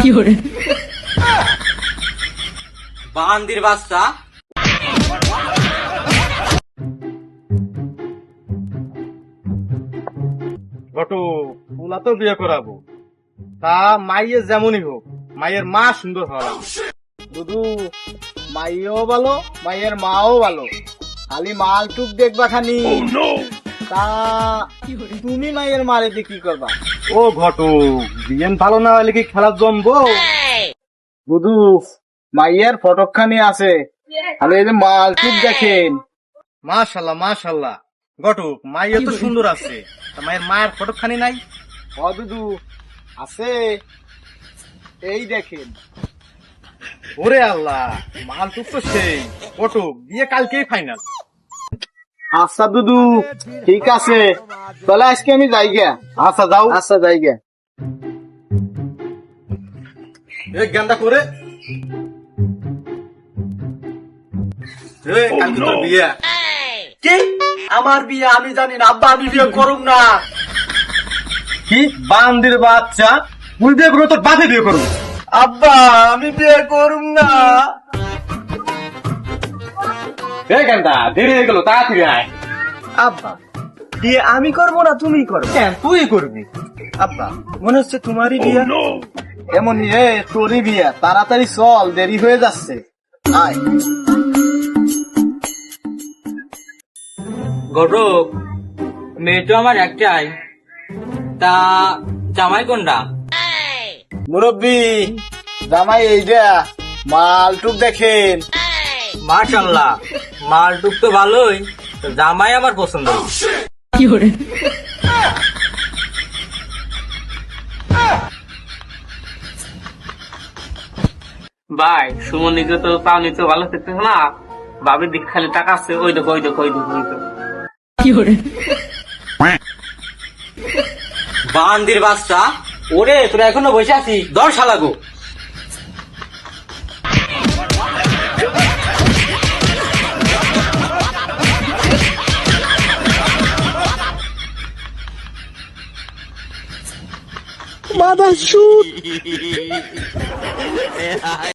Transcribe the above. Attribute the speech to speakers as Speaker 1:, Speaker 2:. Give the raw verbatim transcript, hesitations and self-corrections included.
Speaker 1: বান্দির বাচ্চা।
Speaker 2: ঘটু ওলা তো বিয়ে করাবো, তা মাইয়ের যেমনই হোক, মায়ের মা সুন্দর হওয়া
Speaker 3: দুদু, মাইও ভালো, মাইয়ের মাও ভালো, খালি মাল টুক দেখবা খানি। তা তুমি মাইয়ের মারে দিয়ে কি করবা?
Speaker 2: ও ঘটু, বিয়েন ভালো না হলে কি খেলা জমবো?
Speaker 3: দুদু, মাইয়ের ফটকখানি আছে, খালি এই যে মাল টুক দেখেন।
Speaker 2: মাশাল্লাহ মাশাল্লাহ, ঘটু মাইয়া তো সুন্দর আছে, তা মায়ের মায়ের ফটোখানি নাই?
Speaker 3: ও দুদু আছে, এই দেখেন।
Speaker 2: ওরে আল্লাহ, মাল টুক তো সেই। ঘটু বিয়ে কালকেই ফাইনাল।
Speaker 3: আচ্ছা দুদু, ঠিক আছে, তাহলে আজকে আমি যাই গিয়া।
Speaker 2: আচ্ছা যাও।
Speaker 3: আচ্ছা যাই গিয়া।
Speaker 2: এক গান্দা করে কালকে তোর বিয়ে।
Speaker 1: কি আমার বিয়ে? আমি জানি না আব্বা, আমি বিয়ে করুম না।
Speaker 2: কি বান্দির বাচ্চা, তুই বিয়ে করবো তোর বাপে বিয়ে করবো?
Speaker 1: আব্বা আমি বিয়ে করুম না।
Speaker 2: এই গান্দা দেরি হয়ে গেল, তাড়াতাড়ি আয়।
Speaker 1: আব্বা বিয়ে আমি করবো না, তুমি করবে?
Speaker 2: কেন তুই করবি?
Speaker 1: আব্বা মনে হচ্ছে তোমারই বিয়ে।
Speaker 3: এমন এ তোরই বিয়া, তাড়াতাড়ি চল, দেরি হয়ে যাচ্ছে। আয়।
Speaker 1: ঘটক, মেয়ে তো আমার একটাই, তা জামাই কোনটা?
Speaker 3: মুরব্বী, জামাই এইটা, মাল টুক দেখেন।
Speaker 1: মাশাল্লাহ, মালটুক তো ভালোই, তো জামাই আমার পছন্দ।
Speaker 4: ভাই সুমন নিকে তো তাও নিতে ভালো থাকতে না, বাবির দিক খালি টাকা আছে, ওই দেখো ওই দেখো ওই দেখো ওই দেখো।
Speaker 1: বান্দির বাচ্চা। ওরে তোরা এখনো বসে আছি, দশ শালাগো।
Speaker 3: Mother shoot.